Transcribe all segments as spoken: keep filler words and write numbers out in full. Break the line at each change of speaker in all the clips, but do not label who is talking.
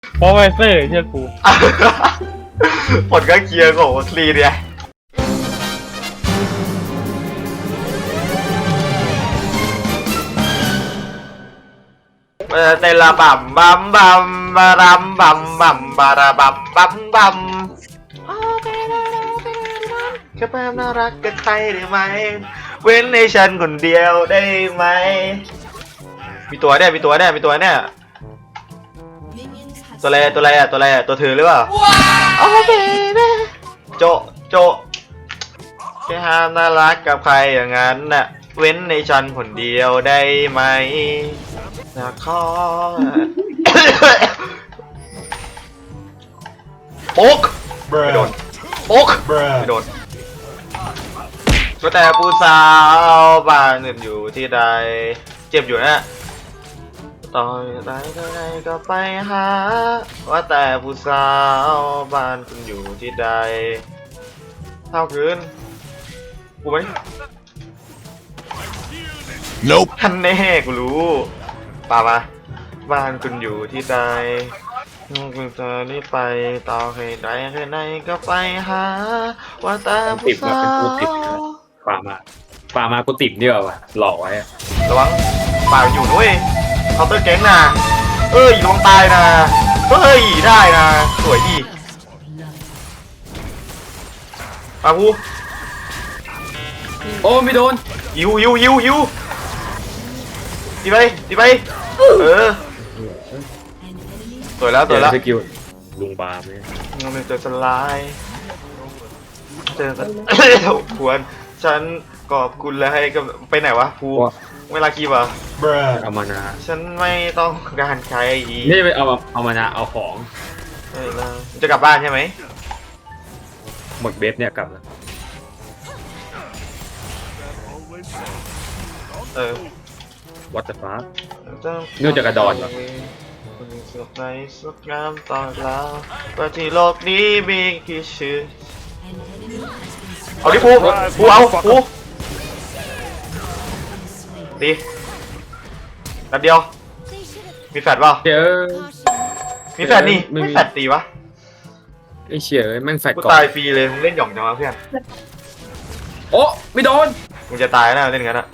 เพราะไวเซอร์เชื่อกู
ผลก็เคลียร์ของคลีเนี่ยเตละบัมบัมบัมบารัมบัมบัมบาราบัมบัมบัมแค่แป๊บน่ารักกับใครได้ไหมเว้นในฉันคนเดียวได้ไหมมีตัวเนี่ยมีตัวเนี่ยมีตัวเนี่ยตัวอะไรตัวอะไรอ่ะตัวอะไรอ่ะตัวเธอหรือเปล่าโอเคนะโจโจแค่ห้ามน่ารักกับใครอย่างนั้นน่ะเว้นในฉันคนเดียวได้ไหมนะขอโป๊กไม่โดนโป๊กไม่โดนก็แต่ผู้สาวบ้านอื่นอยู่ที่ใดเจ็บอยู่นะต่อยไหนก็ไหนก็ไปหาว่าแต่ผู้สาวบ้านคุณอยู่ที่ใดเท่าคืนกูไหมNope ท่านแน่กูรู้ป่ามาบ้านคุณอยู่ที่ใดคุณจะรีบไปต่อให้ใดแค่ไหนก็ไปหาว่าแต่ผู้สาว
ป่ามาป่ามากูติดเดียวว่ะหลอกไว้
ระวังป่าอยู่ด้วยเคาน์เตอร์แก๊งนะเอ้ยลงตายนะเฮ้ยได้นะสวยดีป่าพู
โอ้ไม่โดน
ยิวยิวยิวยิวตีไปตีไปเออสวยแล้วสวยแล้ว
สกิลลุงบาร์เนี่ย
มันเจอสไลด์เจอกันควรฉันขอบคุณแล้วให้กับไปไหนวะภูเวลาคีบอ่ะ
เอามานะ
ฉันไม่ต้องการใครอีก
นี่ไปเอาเอามานะเอาของ
เออจะกลับบ้านใช่ไหม
หมดเบฟเนี่ยกลับแล้ว
เออ
วัตถุฟ้าเนื่องจากกระดอนเหรอ
สุขในสุขงามตอนแล้วว่าที่โลกนี้มีกี่ชื่อเอาดิภูภูเอาภูดีนัดเดียวมีแฟดเปล่า
เจอ
มีแฟดนี่ไม่แฟดตีวะ
ไอ้เชี่ยแม่งแฟดก่อน
กูตายฟรีเลยมึงเล่นหย่องจังวะเพื่อน
โอ้ไม่โดน
มึงจะตายนะเล่นงั้นอะ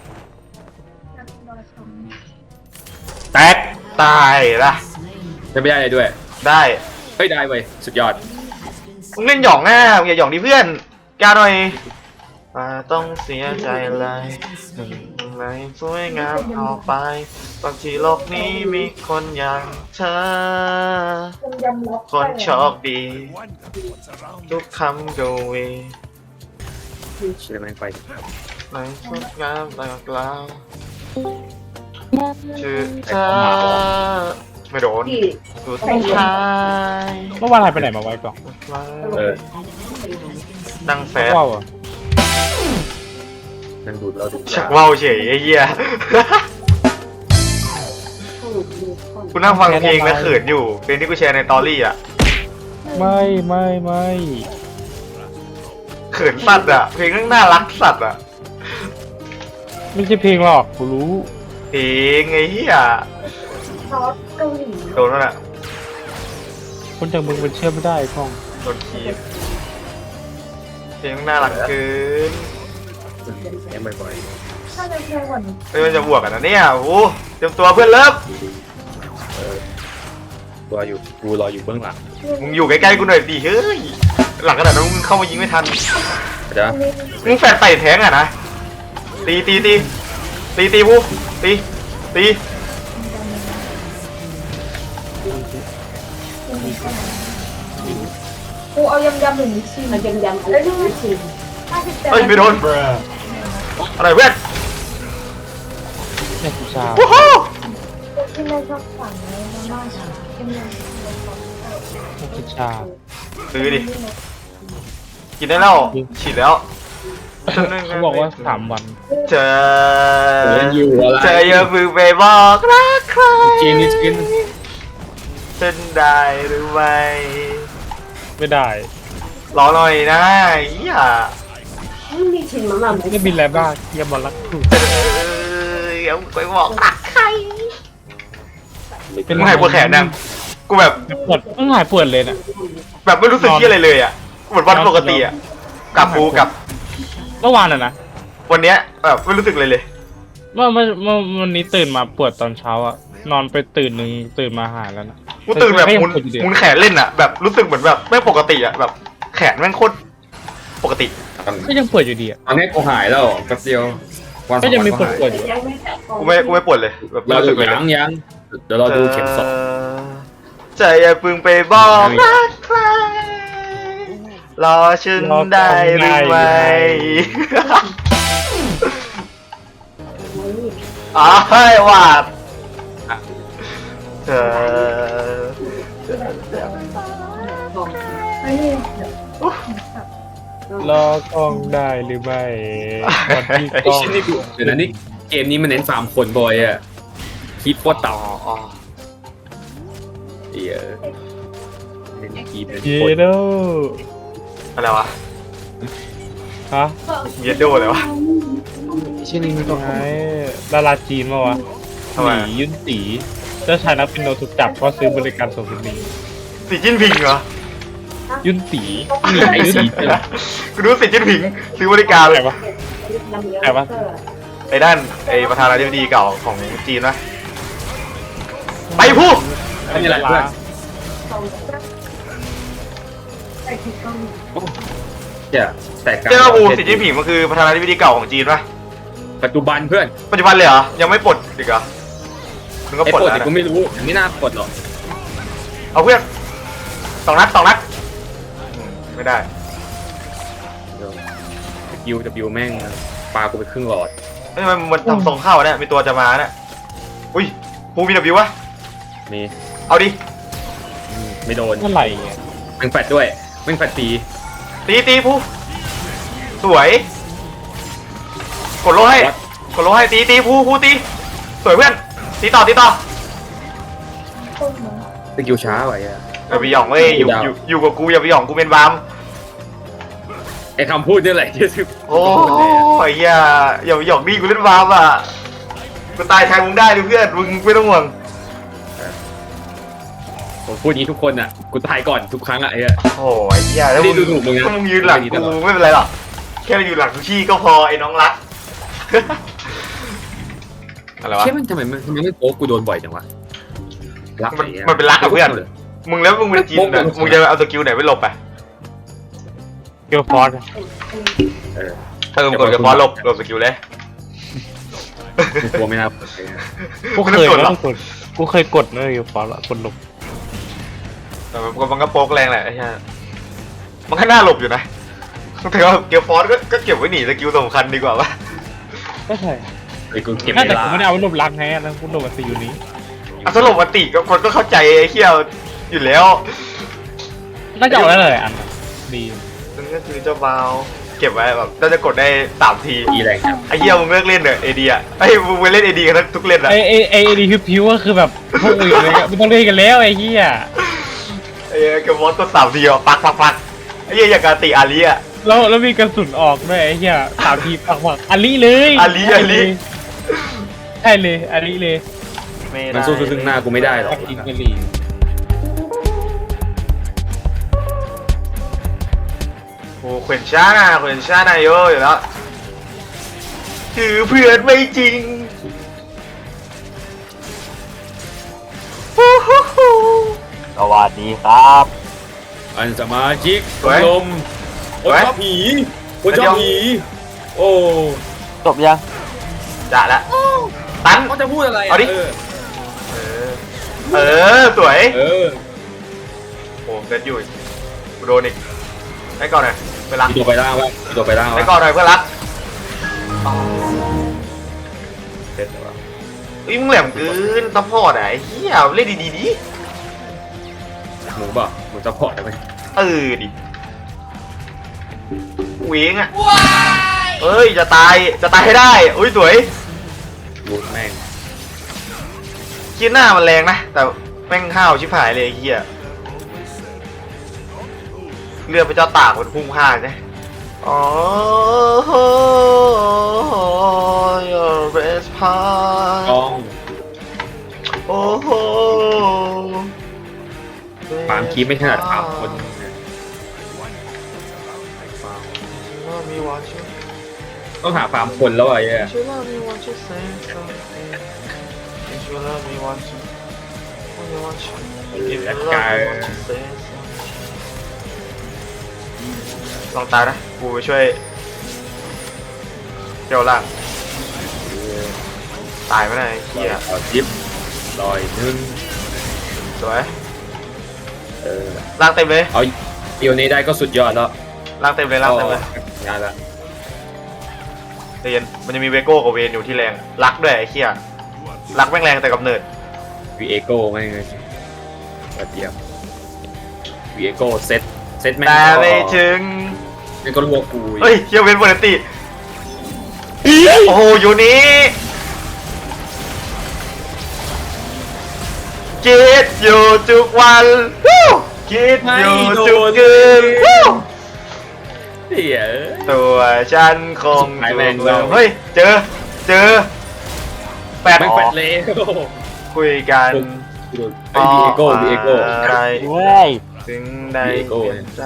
แตกตายละ
จะไม่ได้เลยด้วย
ได้
เฮ้ยได้เว้ยสุดยอด
มึงเล่นหย่องแน่มึงอย่าหย่องดิเพื่อนกล้าหน่อยต้องเสียใจเลยอะไรสวยงามเอาไปบางทีโลกนี้มีคนอย่างเธอคนโชคดีทุกคำดูวี
เชื่อแม่งไป
ในสุดงามตลอดกล่าวชื่อเธอไม่โดนสุดท้าย
เมื่อวานหายไปไหนมาไว้ก่อน
เออ
ดังแฟร์
นั่งดูเราดู
ชักว่าวเฉยไอ้เหี้ยกูนั่งฟังเพลงแล้วเขินอยู่เพลงที่กูแชร์ในตอรี่อ่ะ
ไม่ไม่ไม่
เขินสัตว์อ่ะเพลงนั่งน่ารักสัตว์อ่ะ
ไม่ใช่เพลงหรอกกูรู้
เพลงไอ้เหี้ยโดนแล้วน่ะ
คนจากมึงมันเชื่อไม่ได้พ่อง
โดนคีบเพลงน่ารักเกิน
แย่บ่อย
ๆเฮ้ยมันจะบวกกันนะเนี่ยโอ้เตรียมตัวเพื่อนเลิฟ
ตัวอยู่กูรออยู่เบื้องหลัง
มึงอยู่ใกล้ๆกูหน่อยดิเฮ้ยหลังขนาดนั้นมึงเข้ามายิงไม่ทัน
เดี๋ยว
มึงแฟนใส่แทงอ่ะนะตีตีตีตีตีผู้ตีตี
กูเอายำยำหนึ่งชิ้นยำยำอะไรหนึ่งชิ้น
เฮ้ยไม่โดนอะไรเว้ย
เนี่ยกูชา
โอ้โห
ที่ไม่ชอบสั่งเลยมากๆที่ไม่
กูชา
ซื้อดิกินได้แล้วฉีดแล้ว
เขาบอกว่าสามวัน
เธอเธออย่าพึ่งไปบอกรักใคร
จีนนี่จีน
ฉันได้หรือไม่
ไม่ได้
รอหน่อยนะเฮีย
มีชิ้นมาบ้าง
ไม่บินแล้วบ้างเฮียบอลรักกู
เอออย่าไปบอกรักใครเป็นไงปวดแขนนั่งกูแบบ
ปวดเพิ่งหายปวดเลยน่ะ
แบบไม่รู้สึกที่อะไรเลยอ่ะเหมือนวันปกติอ่ะกลับกูกับ
เมื่อวานอ่ะนะ
วันเนี้ยแบบไม่รู้สึกเลยเลย
เมื่อเมื่อเมื่อวันนี้ตื่นมาปวดตอนเช้าอ่ะนอนไปตื่นหนึ่งตื่นมาหายแล้วนะ
กูตื่นแบบ
ก็ยัง
มุน
ปวดอยู่ดี
มุนแขนเล่นอ่ะแบบรู้สึกเหมือนแบบไม่ปกติอ่ะแบบแขนแม่งโคตรปกติ
ก็ยังปวดอยู่ดีอ่ะ
ตอนนี้กูหายแล้วแป๊บเดียววันส
ก็
อง
ยัง
วัน
มี
ก็
ปวด
หาย
ปวดอยู่
กูไม่กูไม่ปวดเลยแบบไม่
เรา
รู้
ดู
สึกเลย
ยังยังเดี๋ยวเราดูเข็มสอง
ใจอย่าเพึงไปบอกรักใครรอฉันได้หรือไม่อ๋อให้วาดเธอ
ไม่ได้
รอกล้องได้หรือไม่วันที่
ไอ้
กล้อง
ชิ้นนี่กูเดี๋ยวนะนี่เกมนี้มันเน้นฟาร์มคนบ่อยอะคีบโคตร
อ๋
ต่ำ
ออ๋อ
เหี้ยเล่นคีบเล่น
เย
คน
โด
อะไรวะ
ฮะ
เยดโดเลยวะ
ชื่อนี้มันไงดาราจีนมาวะ
ทำไม
หนียุ่นตีเจ้าชายนักปิโนถูกจับเพราะซื้อบริการโซฟินี
สีจิ้นผิงเหรอ
ยุ่นตีหนี
ไอ้
ยุ่น
สี
ตี
กูดูสีจิ้นผิงซื้อบริการเลย
ใครวะ ใครวะ
ไอ้ด้านไอ้ประธานาธิบดีเก่าของจีนนะไปพูด
ไม่มีอะไรเพื่อน เหี้ยแต่การ
เจ้าอูสีจิ้นผิงมันคือประธานาธิบดีเก่าของจีนปะ
ปัจจุบันเพื่อน
ปัจจุบันเลยเหรอยังไม่ปลดอีกเหรอมึงก็
ไอ้
ปลด
ปลด
แล้ว
เนี่ย
นะ
กูไม่รู้ยังไม่น่าปลดหรอก
เอาเพื่อนสองนัดสองนัดอืมไม่ได้
วิววิวแม่งปลากูไปครึ่งหลอด
เฮ้ยมันมันทำทรงเข้าเนี่ยมีตัวจะมาเนี่ยอุ้ยภูมีดับบิววะ
มี
เอาดิ
อืมไม่โดน
เมื่อไหร่เนี่ย
แม่งแฟดด้วยแม่งแฟดตี
ตีตีภูสวยกดโลให้กดโลให้ตีตีภูภูตีสวยเพื่อนตีต่อตีต่อ
สกิลช้าไปอ่ะ
อย่าไปหย่องเว้ยอยู่
ดาว
อยู่อยู่กับกูอย่าไปหย่องกูเป็นบาม
ไอ้คำพูดนี่แหละที่สุด
โอ้ยเฮียอย่าไปหย่องนี่กูเล่นบามอ่ะกูตายแทนมึงได้ดิเพื่อนมึงไม่ต้องห่วง
ผมพูดอย่างนี้ทุกคนอ่ะกูตายก่อนทุกครั้งอ่ะไอ้เหี้ย
โอ้ยเฮียแล้ว
ไม่
มึ
ได้
ง
ดูถูกมึงนะ
ถ้ามึงยืนหลัง
ไม่ได้ดู
กู
ถูก
ไม่เป็นไรหรอกแค่อยู่หลังทุกที่ก็พอไอ้น้องรัก อะไรวะ
เชื่อมันทำไมมันทำไมไม่โป๊กกูโดนบ่อยจังวะรัก
มัน
ไอ้หี้ย
มันเป็นรักกับเพื่อน มึงแล้วมึงเป็นจีน
โป๊ก
น่ะ
โป๊ก
มึงจะเอาสกิลไหนไปหลบอ่ะ
เกียวฟอร์ด
เออ
เออมึงกดกับฟอสหลบหลบสกิลเลย
กูกลัวไม่น่าปลดไอ้เหี้ย
กูเคย
ไม่ได้กดหร
นะ
อก
กดกูเคยกดเนอะเกียวฟอร์ดอะกดหลบ
แต่มันมันก็โป๊กแรงแหละไอ้เหี้ยมันก็น่าหลบอยู่นะแต่ว่าเกียวฟอสก็ก็เก็บไว้หนีสกิลสำคัญดีกว่าปะ
ก็ใช่
ไอ้กูเก็บ
น่า
เว
แต่
ลา
กูไม่ได้เอาไว้หลบรักแฮะแล้วกูหลบมาตีอยู่นี้
อ่ะสรุปวันติก็คนก็เข้าใจไอ้เขี้ยวอยู่แล้ว
น่าจะเอาได้เลยอันน่ะดี
นั่นก็คือเจ้าบาวเก็บไว้แบบน่าจะกดได้สามที
อีแรงจัง
ไอ้เหี้ยมึงเลิกเล่นเถอะเอดีอ่ะไอ้ยมึงไปเล่นเอดีกันทุกเล่นอ่ะ
ไอไอไอไอดีพิวๆก็คือแบบพวกอื่นเลยอะไม่ต้องเล่นกันแล้วไอ้เหี้ย
ไอ้เหี้ยเก็บวอสตัวสามทีอ่ะปักปักปักไอ้เหี้ยอย่างการตีอาลีอ่ะ
แล้วแล้วมีกระสุนออกด้วยไอ้เหี้ยสามทีปักปักอาลีเลย
อาลีอาลี
ใช่เลยอาลีเลย
มันสู้ซึ่งหน้ากูไม่ได้หรอก
กินกะหรี่
โอ้เขวนชาเขวนชานาโยอยู่แล้วคือเพื่อนไม่จริงฮู้ฮู้ฮู้
สวัสดีครับ
อันสมาชิก
สวย
ลมคน
สวย
ชอบผีคนชอบผีโอ้
จบยัง
จ่าละตัน
เขาจะพูดอะไระ
เอาดิ
เออ
เออเออสวย
เออ
โอ้เกิดอยู่อีกกูโดนอีกให้ก่อนหน่อยเพื่อนรัก
มีตัวไปล่างวะมีตัวไปล่าง
ให้
วะ
ก่อนหน่อยเพื่อนรักเด็ดวะอุ้ยมึงแหลมเกินซัพพอร์ตอะไอ้เหี้ยเล่นดีๆดิ
หมูบ่ะหมูซัพพอร์ตได้ไหม
เออดิเวงอะเอ้ยจะตายจะตายให้ได้อุ้ยสวย
รูดแม่ง
คิดหน้ามันแรงนะแต่แม่งห้าวชิบหายเลยไอ้เหี้ยเลือดพระเจ้าตากมันพุ่งพลาดใช่อ๋อ your best
ก
part
อง
โอ้โห
ฟาร์มคีบไม่ถนัดฟาร์มคน
มีวันชื่อ
ต้องหาฟาร์มคนแล้วอ่ะไอ้เนี่ย
ชื่อเรามีวันชื่อเซนต์ชื่อเรามีวันชื่อมีวันชื่อ
อินแอคการ์
ลองตายนะกูไปช่วยเจ้าล่างตายไม่ได้เฮีย
ต่อจิ๊บลอยนึง
สวย
เออ
ล่างเต็มเลย
เอาเดียวนี้ได้ก็สุดยอดแล้ว
ล่างเต็มเลยล่างเต็มเลย
งานละ
ใจเย็นมันจะมีเวโก้กับเวนอยู่ที่แรงรักด้วยไอ้เฮียรักแม่งแรงแต่กับเนิร์ด
วีเอโก้ไม่ไงกระเทียมวีเอโก้เซตเซตแม่ง
แต่
ก็
ไม่ถึง
แม่งก็รัวกู
เฮ้ยเฮียเวนโบนันติโอ้โหอยู่นี้คิดอยู่ทุกวันฮู้คิดอยู่ทุกคืนฮู้
เหี้ย
ตัวฉันคง
หาย
ถู
แรง
ก
แล้
แล้ว วเฮ้ยเจอเจอแปด
แม่งแฟดเลย
คุยกัน
ไอ้วีเอโก้วีเอโก้
อะไร
เว้ย
ถึงได้
วีเอโก้
เปลี่ยนใจ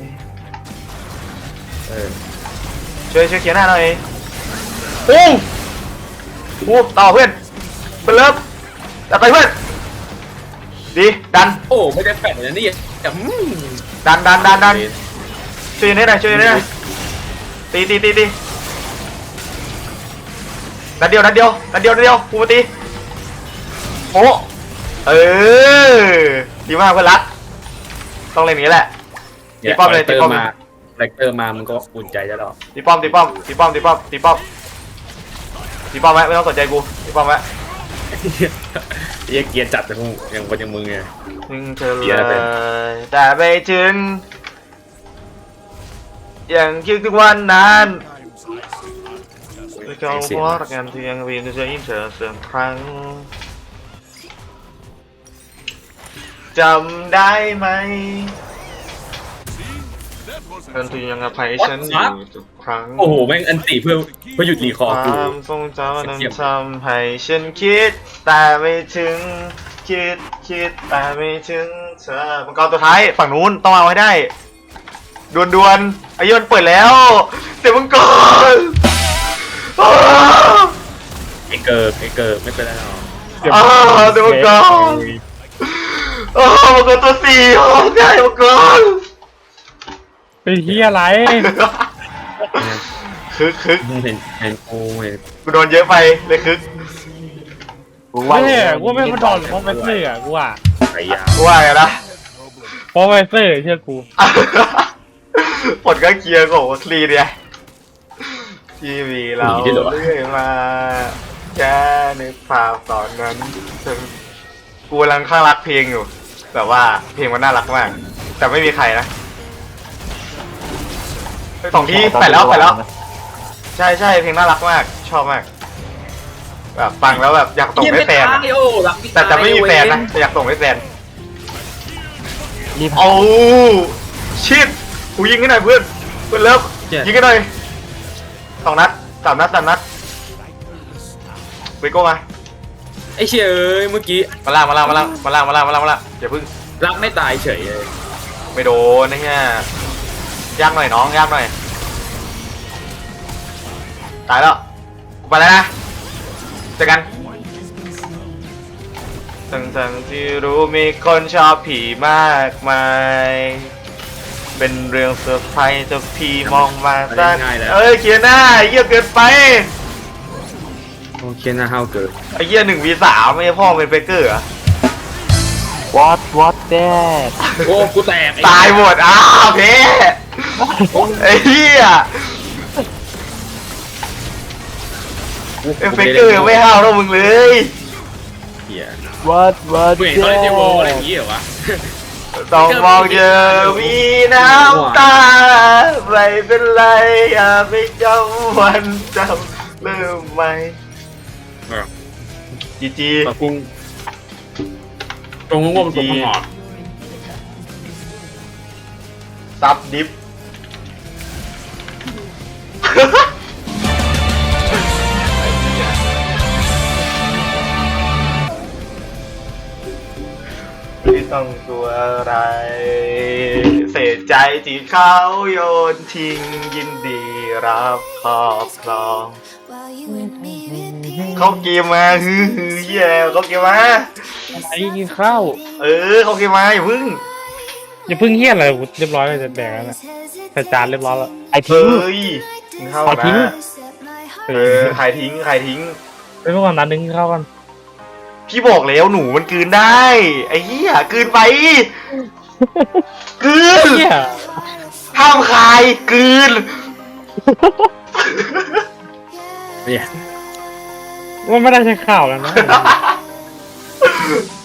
เออ
ช่วยช่วยเขียนหน้าหน่อยปุ้งปุ้งต่อเพื่อนเพื่อนเลิฟจัดไปเพื่อนดีดัน
โอ้ไม่ได้แฟดนะนี่แต่อืม
ดันดันดันดันช่วยหน่อยหน่อยช่วยหน่อยหน่อยตีตีตีตีนัดเดียวนัดเดียวนัดเดียวนัดเดียวกูมาตีโอ้เออดีมากเพื่อนรักต้องเล่นอย่างนี้แหละ ตีป้อมเลยตีป้อม
มาแรคเตอร์มามันก็อุ่นใจแล้วหรอ
ตีป้อมตีป้อมตีป้อมตีป้อมตีป้อมตีป้อมไว้ไม่ต้องสนใจกูตีป้อมไว้
เรียกเกียร์จัดแต่พวกอย่างคนอย่างมึงไง
ถึงเธอ
เดี๋ยวนะ
เล
เป็น
ยแต่ไปถึงอย่างคิดถึงวันนั้นเขาพอรักกันที่ยังวินจะยิ้มเธอเสียงครั้งจำได้ไหมกันที่ยังอภัยฉันอยู่ทุกครั้ง
โอ้โหแม่งอันติเพื่อเพื่อหยุดรีค
ค
อร์กู
วามทรงจำนั้นทำให้ฉันคิดแต่ไม่ถึงคิดคิดแต่ไม่ถึงเธอมังกรตัวท้ายฝั่งนู้นต้องเอาให้ได้ดวนดวนๆไอ้ยนเปิดแล้วเสียมังกรอ้าว
ไอเกิร์ไอเกิร์ไม่เป็นไรหรอก
อ้าวเสียมังกรอ้าวมังกรตัวสี่โอ้ยใช่มังกร
ไปเฮียอะไร
คึกคึก
มึงเห็นเห็นกูเห็น
กูโดนเยอะไปเลยคึก
กู
ไม่ใช่กูไม่มาดอนเพราะไปซื้ออ่ะกูอ่ะ
ไอ้ยา
กูว่าไงนะ
เพราะไปซื้อเชื่อกู
ผลก็เคลียร์ของวัคลีเนี่ยทีวีเราเรื่อยมาแค่นึกภาพตอนนั้นฉันกูกำลังข้างรักเพลงอยู่แบบว่าเพลงมันน่ารักมาก แต่ไม่มีใครนะสองที่แปดแล้วแปดแล้ว ใช่ใช่เพลงน่ารักมาก ชอบมากแบบฟังแล้วแบบอยากส่งให้แฟนอะ
โอ้หลัง
แต่แต่ไม่มีแฟนนะแต่อยากส่งให้แฟน
รีบ
โอ้ชิดกูยิงให้หน่อยเพื่อนเพื่อนเลิฟยิงให้หน่อยสองนัดสามนัดสามนัดเวโก้มา
ไอ้เชยเอ้ยเมื่อกี้
มาล่างมาล่างมาล่างมาล่างมาล่างมาล่างมาล่างอย่าพึ่ง
รักไม่ตายเฉยเลย
ไม่โดนนะเนี่ยยากหน่อยน้องยากหน่อยตายแล้วไปแล้วนะเจอกันทั้งทั้งที่รู้มีคนชอบผีมากมายเป็นเรื่องเซอร์ไพรส์จะพี่มองมาสั้นเอ้ยเกียร์หน้าเยี่ยเกินไป
โอเคนะเฮาเกิด
ไอ้เยี่ยหนึ่งวีสามไม่ใช่พ่อเป็นเบเกอร์เหรอ
วอตวอตแดด
โอ้กูแตก
ตายหมดอ้าวเพ่ไอ้เหี้ยเอฟเฟกเกอร์ไม่ห้าวเท่ามึงเลย
เหี้ยว
อตวอต
กูเห็น
แด
เขาเล่นเจ
ด
โวอะไรอย่างงี้เหรอวะ
ต้องมองเจอวีน้ำตาไม่เป็นไรอย่าไปจำวันจำเริ่มใหม่จีจี
ปะกุ้งตรงงงๆตรงหอด
ซับดิฟต้องตัวอะไร เสียใจที่เขาโยนทิ้งยินดีรับครอบครองเขาเกมมาฮือฮือเหี้ยเขาเกมมา
ไอ้กินข้าว
เออเขาเกมมาอย่าพึ่ง
อย่าเพิ่งเฮี้ยอะไรกูเรียบร้อยเลยจะแดกแล้วนะใส่จานเรียบร้อยแล้ว
ไอ
เฮ้
ทิ้ง
ยกินข้าว
ขอทิ้ง
นะเออใครทิ้งใครทิ้ง
ไปเมื่อก่อนนั้นนึงกินข้าวกัน
พี่บอกแล้วหนูมันกลืนได้ไอ้เหี้ยกลืนไปกลืน
เฮี้ย
ห้ามคายกลืน
เนี่ย
ว่าไม่ได้ใช้ข้าวแล้วนะ